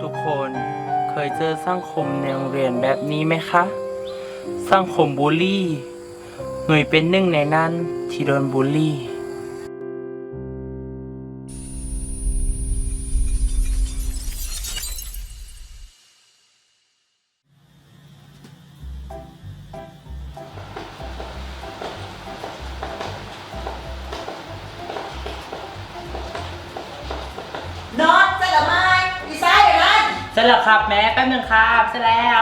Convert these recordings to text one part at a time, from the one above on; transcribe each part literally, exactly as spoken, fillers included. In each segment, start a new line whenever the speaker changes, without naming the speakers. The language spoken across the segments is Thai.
ทุกคนเคยเจอสังคมในโรงเรียนแบบนี้ไหมคะ สังคมบูลลี่หน่วยเป็นหนึ่งในนั้นที่โดนบูลลี่
นอนเสร็จแล้วไหมดีไซน์อย่างนั้น
เสร็จแล้วครับแม่แป๊บนึงครับเสร็จแล้ว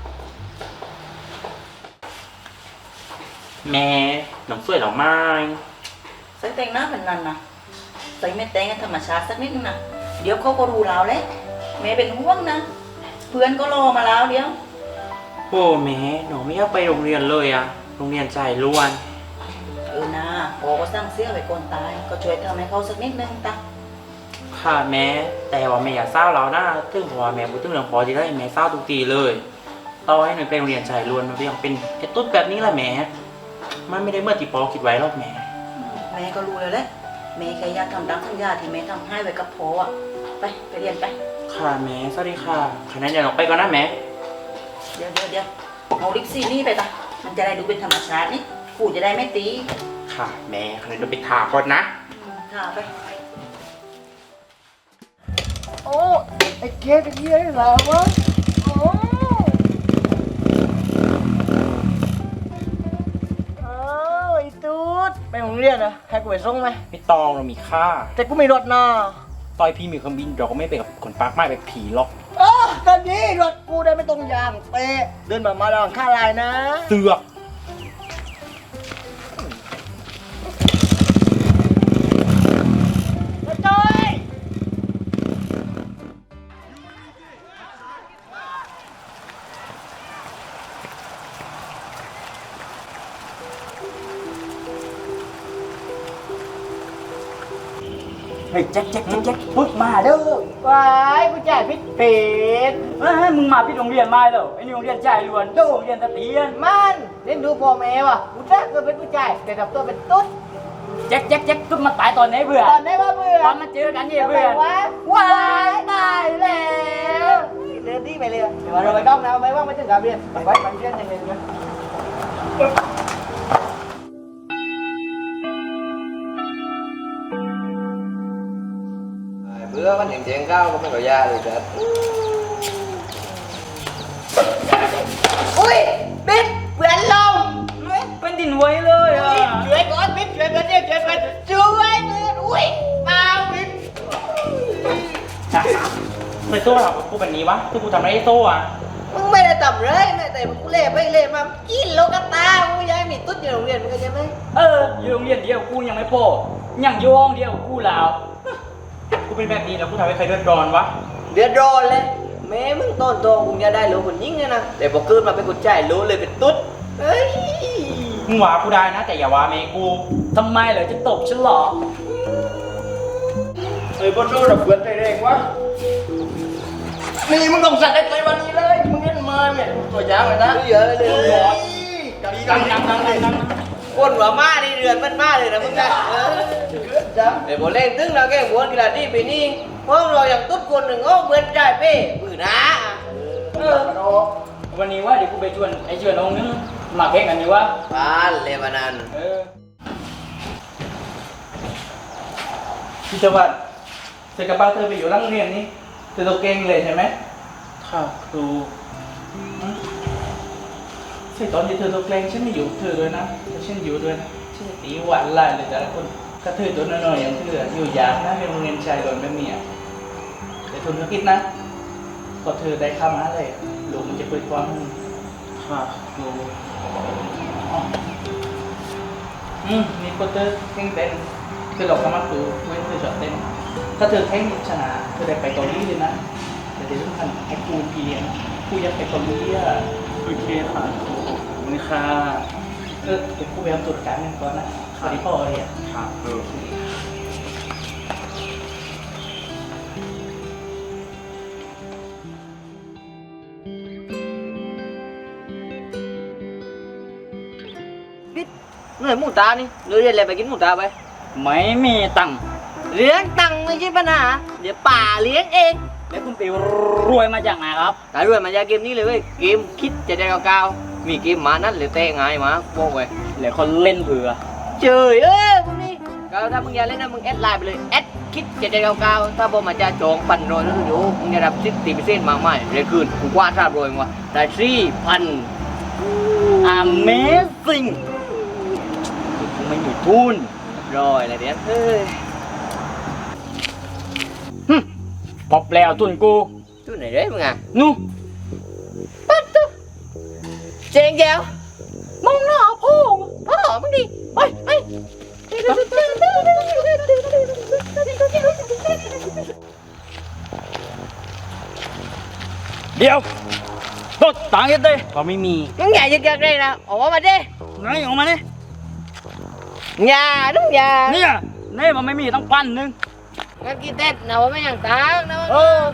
แม่น้องสวยหรอไม้
ใส่แต่งหน้าเป็นนันนะใส่ไม่แต่งให้ธรรมชาติสักนิดนึงนะเดี๋ยวเขาก็รู้เราเลยแม่เป็นห่วงนะเพื่อนก็รอมาแล้วเดี๋ยว
โอ้แม่หนูไม่อยากไปโรงเรียนเลยอะโรงเรียนใจล้วน
เออนะพอก็สร้างเสื้อไว้ก่อนตายก็ช่วยทำให้เขาสักนิดนึงตา
ค่ะแม่แต่ว่าแม่อย่าเศร้าแล้วนะถึงเพราะว่าแม่พูดถึงเรื่องพอที่ได้แม่เศร้าทุกทีเลยต่อให้หนูไปโรงเรียนใจล้วนมันก็ยังเป็นไอ้ตุ๊ดแบบนี้แหละแม่มันไม่ได้เมื่อที่ปอคิดไว้หรอกแม่
แม่ก็รู้แล้วแหละแม่แค่อยากทำตามสัญญาที่แม่ทำให้ไว้กับพ่ออะไปไปเรียนไป
ค่ะแม่สวัสดีค่ะคะแนนเดี๋ยวหนูไปก่อนนะแม่
เดี๋ยวเดี๋ยวเดี๋ยวเอาลิปซี่นี่ไปตามันจะได้ดูเป็นธรรมชาตินี่ครูจะได้ไม่ตี
ค่ะแม่คะแนนเดี๋ยวไปทาก่อนนะ
อืมค่ะไป
โอ้ไอ้เกดเป็นเฮียได้เหรอวะโอ้อ้าวไอ้ตูดไปโรงเรียนนะให้กูไปส่งไหม
ไม่ต้องเรามีค่า
แต่กูไม่รถนะ
ต่อยพี่มีเครื่องบินเราก็ไม่ไปกับคนปากไม้แบบผีหรอก
เออตอนนี้รถกูได้ไม่ตรงยางเตะเดินมามาลองค่าลายนะ
เสือก
มาจอยเฮ้ยแจ็คแจ็คแจ็คแจ็คปึ๊บมาเด้อว้ายกูจ่ายพิษเป็ด
เฮ้ยมึงมาพี่โรงเรียนมาแล้วไอ้นี่โรงเรียนใจายล้วนโตโรงเรียนตะเตียน
มันเล่นดูพ่อแม่วะกูจ้าเกิดเป็นผู้ชายแต่ดับตัวเป็นตุ๊ด
แจ็คแจ็คแจ็คตุ๊ดมาตายตอนไหนเบื่อ
ตอนไหนว่าเบื่อ
ตอนมาเจอกันเนี่ยเบื่อ
วะว้ายตายแล้วเดินดีไปเลยเดี๋ยวเราไปต้องนะไม่ว่างไม่ถึงกับเรียนไปไว้มันเรียนยังไงเนี่ย
เbữa bánh hàng chén cao cũng có da được chết
อุ้ยบิ๊กเบื่อลง
เป็นดินไว้เลยอ่ะ
ช่วยก่อนบิ๊กช่วยก่อนเนี่ยช่วยก่อนช่วยเบื่ออุ้ยเปล่าบิ๊ก
เคยโซ่หรอกูแบบนี้วะคือกูทำอะไรให้โซ่อะ
มึงไม่ได้ทำเลยแม่แต่มึงกูเล่ไปเล่มากินโลกตากูย้ายมีตุ๊ดอยู่โรงเรียนมึงเข้าใจไหม
เอออยู่โรงเรียนเดียวกูยังไม่พอยังอยู่ห้องเดียวกูแล้ว
กูเป็นแบบนี้แล้วกูทำให้ใครเดือดร้อนวะ
เดือดร้อนเลยแม่มึงต้นโตมึงจะได้รู้คนยิ่งเนี่ยนะแต่พอเกิดมาเป็นคนใจรู้เลยเป็นตุ๊ดเฮ้ย
มึงว่ากูได้นะแต่อย่าว่าเมกู
ทำไมเหรอจะตบฉันเหรอ
เฮ้ยบนโซ่ดับเบิลใจแรงวะนี่มึงต้องสั่นได้ใจวันนี้เลยมึงเล่นมาเนี่ยตัวยาวเลยนะเยอะเลย
ดังดังดังดังดัง
คนหัวมานี่เดือนมันมาเลยนะมึงนะเออเดี๋ยวผมเล่นตึ้งเราแก้หัวกีฬาที่ปีนี้เพราะเราอย่างตุ๊ดคนหนึ่งโอ้เหมือนใจเป้ปืนนะ
เออวันนี้ว่าเดี๋ยวกูไปชวนไอ้ชวนองค์นึงมาแข่งกันดีวะ
บ้านเลบานัน
เออ
พี่จังหวัดเสกกระเป๋าเธอไปอยู่ร่างเรียนนี้เธอตัวเก่งเลยใช่ไหมค่ะครูใช่ตอนที่เธอตัวเก่งฉันไม่อยู่เธอด้วยนะแต่ฉันอยู่ด้วยนะฉันจะตีหวานไล่เลยแต่ละคนก็เธอตัวน้อยๆอย่างเธออยู่ยากนะในโรงเรียนชายโดนแบบนี้แต่ทุนธุรกิจนะพอเธอได้เข้ามาเลยลูกมันจะเปิดกว้างค่ะครูอืมนี่โปเตอร์เก่งเต้นคือเราสามารถดูเว้นเธอชอบเต้นถ้าเธอแข่งชนะเธอได้ไปเกาหลีเลยนะแต่เดี๋ยวต้องทำให้ครูพี่เลี้ยงครูอยากไปเกาหลีอ่ะโอเคค่ะนี่ค่ะเออเดี๋ยวครูไปทำตรวจการเงินก่อนนะสวัสดีพ่อเรียนครับโอเค
เหนื่อยหมูตานี่เรียนอะไรไปกินหมูตาไป
ไม่มีตังค์
เลี้ยงตังค์ไม่ใช่ปัญหาเดี๋ยวป่าเลี้ยงเองไป
แล้วคุณไปรวยมาจากไหนครับ
ตายด้วยมาจากเกมนี้เลยเว้ยเกมคิดจะได้เก่าๆมีเกมหมานั่นเลยเตะไงายหมาบอกไว้
แล้วคนเล่นเผื่อ
เจยเอ้ยพวกนี้ก็ถ้ามึงอยากเล่นนะมึงแอดไลน์ไปเลยแอดคิดจะได้เก่าๆถ้าบอกมาจะจองพันโรยแล้วอยู่มึงจะรับสิบตีเปอร์เซ็นต์มากมายเลยคืนกูกว่าทราบโรยมึงว่าได้สี่พัน
Amazing กูไม่มีทุน
รอยอะไรเดี๋ยวเฮ้ย
พบแล้วทุนกู
ตู้ไหนเด้มึงอ่ะ
นู่
ปั๊บตุ๊เจงแจ๋วมองหน้าพ่อพ่อมึงดิไปไป
เดี๋ยวรถต่างกันเลยก็ไม่มี
มึงอย่ายึกยักเลยนะออกมาดิ
ไหนออกมาเนี่ย
อย่าน้องอย่า
เนี่ยนี่มันไม่มีต้องปั้นนึง
งั้นกินเต้นนะว่าไม่อย่างตังนะ
เออ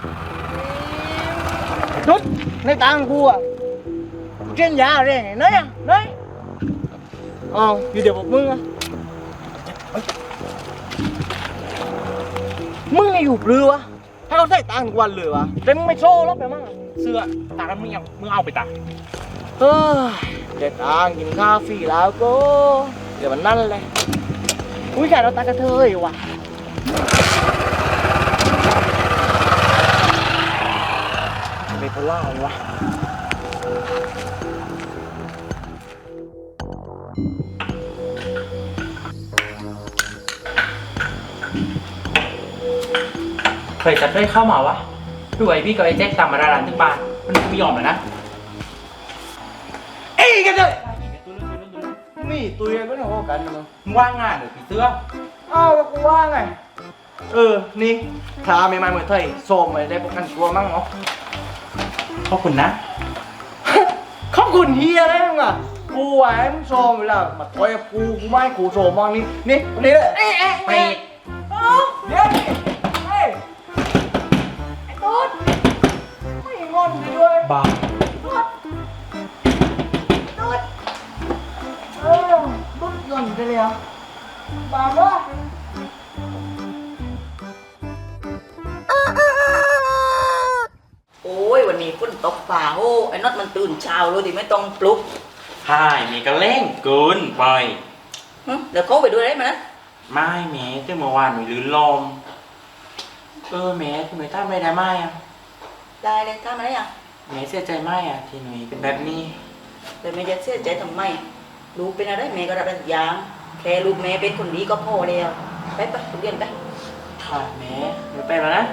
นุด
ในตังกูอ่ะเช่นยาเลยไหนอ่ะไหนอ๋ออยู่เดี๋ยวบอกมึงอ่ะมึงไงอยู่ปลือวะให้เขาใส่ตังค์ทุกวันเลยวะแต่มึงไม่โชว์หรอกไปมั่ง
เสื้อตากันมึงยังมึงเอาไปตา
เฮ้ยเด็ดตังค์กินข้าวฟรีแล้วก็เดี๋ยวมันนั่นเลยอุ้ยแกเราตากระเทยว่ะเบโพล่าเลยวะ
เคยจะได้เข้ามาวะด้วยพี่กับไอ้แจ็คตามมาร้านถึงบ้านมันไม่ยอมเลยนะเอ้ยกันเลย
มีตัวเองก็เนี่ยว่ากันมึง
มึงว่างงานหรือผีเสื้อ
อ้าวแล้วกูว่าไงเออนี่ทาไม่มาเหมือนเธอโซมไปได้ประกันตัวมั่งเนาะ
ขอบคุณนะ
ขอบคุณเฮียอะไรมึงอ่ะกูไหวมึงโซมเวลามาถอยกับกูกูไม่ให้กูโซมมองนี่นี่นี่เลยเอ๊ะเอ๊ะ
ไป
เอ๊ะเดี๋ยวนี่เฮ้ยไอ้ตุ๊ดไม่งอนกูด้วย
บ้า
เออตุ๊ดงอนไปเลยอ่ะบ้าปะ
โอ้ยวันนี้ฝนตกฝ่าโอ้ไอ้น็อตมันตื่นเช้าเลยดิไม่ต้องปลุก
ใช่มีก็เล่นเกินไป
หึเดี๋ยวเขาไปด้วยได้ไหมนะ
ไม่แม้ที่เมื่อวานมีลื่นลมเออแม้ทำไมท่าไม่ได้ไหมอ่ะ
ได้เลยถ้ามาได้ยัง
แม้เสียใจไหมอ่ะที่หนุ่ยเป็นแบบนี้
แต่แม่จะเสียใจทำไมลูกเป็นอะไรแม่ก็รับทุกอย่างแค่ลูกแม่เป็นคนดีก็พอแล้วไปไปเรียนไป
ค่ะแม้เดี๋ยวไปแล้วนะ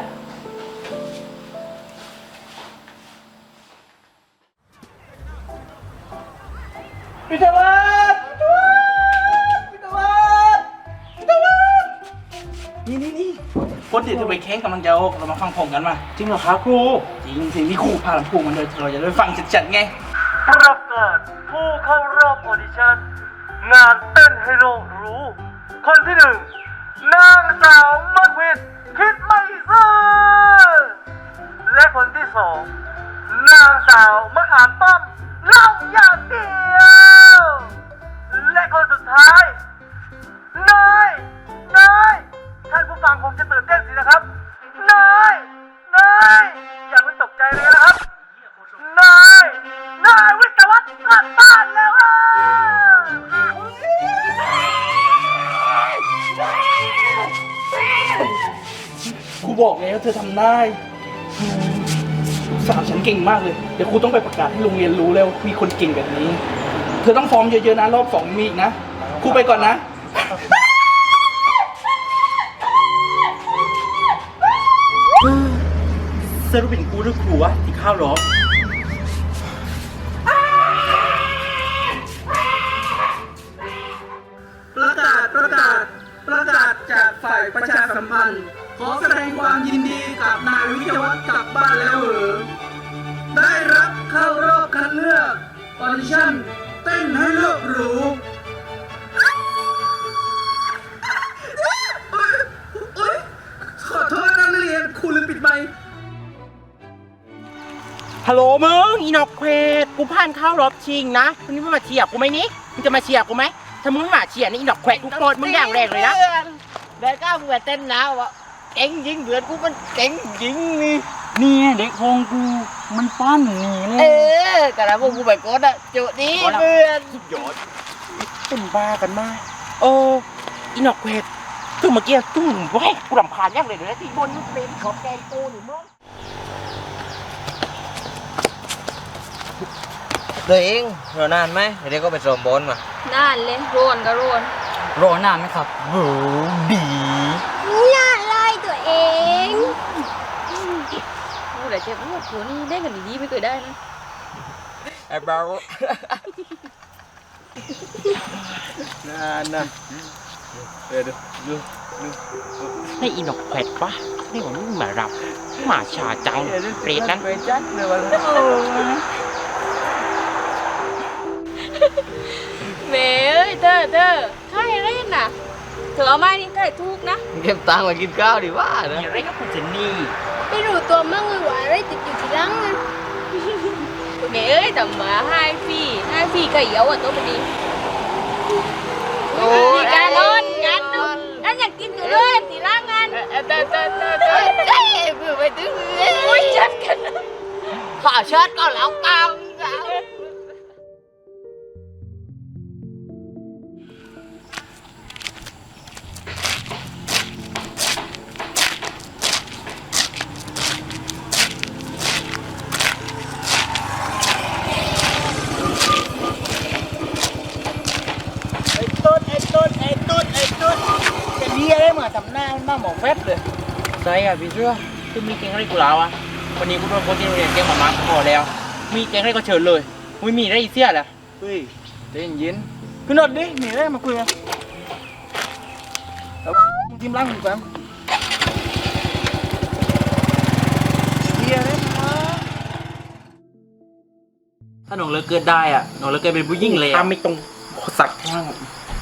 พิธวัฒน์พิธวัฒน์พิธวัฒน์นี่นี่นี่
คนเดี๋ยวจะไปแข่งกำลังจะออกเรามาฟังผมกันมา
จริงเหรอครับครู
จริงสิที่ครูพาลำพูมันเลยเราจะได้ฟังจัดๆไง
ประกาศผู้เข้ารอบออดิชั่นงานเต้นให้โลกรู้ คนที่หนึ่งนางสาวมัดวิดคิดไม่ซื่อและคนที่สองนางสาวมะขามป้อมเล่าอย่างเดียวและคนสุดท้ายนายนายท่านผู้ฟังคงจะตื่นเต้นสินะครับนายนายอย่าเพิ่งตกใจเลยนะครับ นาย นายวิทยาวัฒน์กลับบ้านแล้วอ่ะ
ครูบอกแล้วเธอทำได้ลูกสาวฉันเก่งมากเลย เดี๋ยวครูต้องไปประกาศให้โรงเรียนรู้แล้วมีคนเก่งแบบนี้ เธอต้องฟอร์มเยอะๆนะรอบสองมีอีกนะ ครูไปก่อนนะ
สรุปเป็นกูหรือครูวะที่ข้าวหรอ
ประกาศประกาศประกาศจากฝ่ายประชาสัมพันธ์ ขอแสดงความยินดีกับนายวิทยาวัฒน์กลับบ้านแล้วเหรอได้รับเข้ารอบคัดเลือกออดิชั่นเต้นให้โลกรู้ขอโทษนักเรียนครูลืมปิดไมค์
ฮัลโหลมึงอีนอกเควดกูผ่านเข้ารอบชิงนะวันนี้มึงมาเชียร์กูไหมนี่มึงจะมาเชียร์กูไหมถ้ามึงไม่มาเชียร์นี่อีนอกเควดกูโกรธมึงอย่างแรงเลยนะ
ได้ก้าวมึงไปเต้นแล้ววะ
เก่งจริงเพื่อนกูมันเก่งจริงนี่
นี่เด็กของกูมันปั้นหนีเล
เอย อกระดาษพวกกูไปกดอะจุดนี้เพื่อน
ยอดเป็นบ้ากันมาเอออีนอกเวทคือเมื่อกี้ตุ้มไว้กูรำคาญยักเลยเดี๋ยวนะที่บนมันเป็นขอบแกงกูหรือมั้ง
ตัวเองรอนานไหมเดี๋ยวก็ไปสมบอลมา
น่านเลยโรนก็โรน
รอนานไหมครับโหดี
น่าไล่ตัวเองกูแต่เจ็บปวดหัวนี่ได้กันดีๆไม่เคยได้นะ
ไอ้เบา
นานนะเดี๋ยวดูดูดูนี่อีนอกเวทปะนี่ผมงมารับมาชาจังเปรตนั้น
ไปจัดเลยวัน
เว้ยเธอเธอใครเล่นน่ะเธอเอาไม้นี่ใครทุกนะ
เก็บตังค์มากินข้าวดีว่านะ
มีอะไรก็คุณเจนนี่
ไม่รู้ตัวมั่งเลยว่าอะไรติดอยู่ที่หลังอ่ะเว้ยแต่มาให้ฟรีให้ฟรีก็เยอะอ่ะตัวมันดีมีการนอนกันนอนนั่นอยากกินอยู่เลยตีร่างงาน
เออเตอเตอเตอเตอเฮ้ยเพื่อไปถึง
โอ้ยจัดกัน
ข้าเชิดก็แล้วเก่า
ไอ้ต้นไอ้ต้นไอ้ต้นไอ้ต้นจะเรียกได้เหมือนทำหน้ามันบ้าหมอแฟบเลย
ใช่อ่ะพี่เชื่อคือมีเกงอะไรกูแล้วอ่ะวันนี้กูโดนคนที่โรงเรียนเกงหมามาพอแล้ว มีเกงอะไรก็เชิญเลยไม่มีอะไรอีเสียแหละ
เฮ้ยเย็นเย็นขึ้นรถดิหนีได้มาคุยกันแล้วมึงทีมร่างมึงแป๊บเรียกได้มา
ถ้าน้องเลิกเกิดได้อ่ะน้องเลิกเกิดเป็นผู้หญิงเลยถ้าไม่ตรงสักข้าง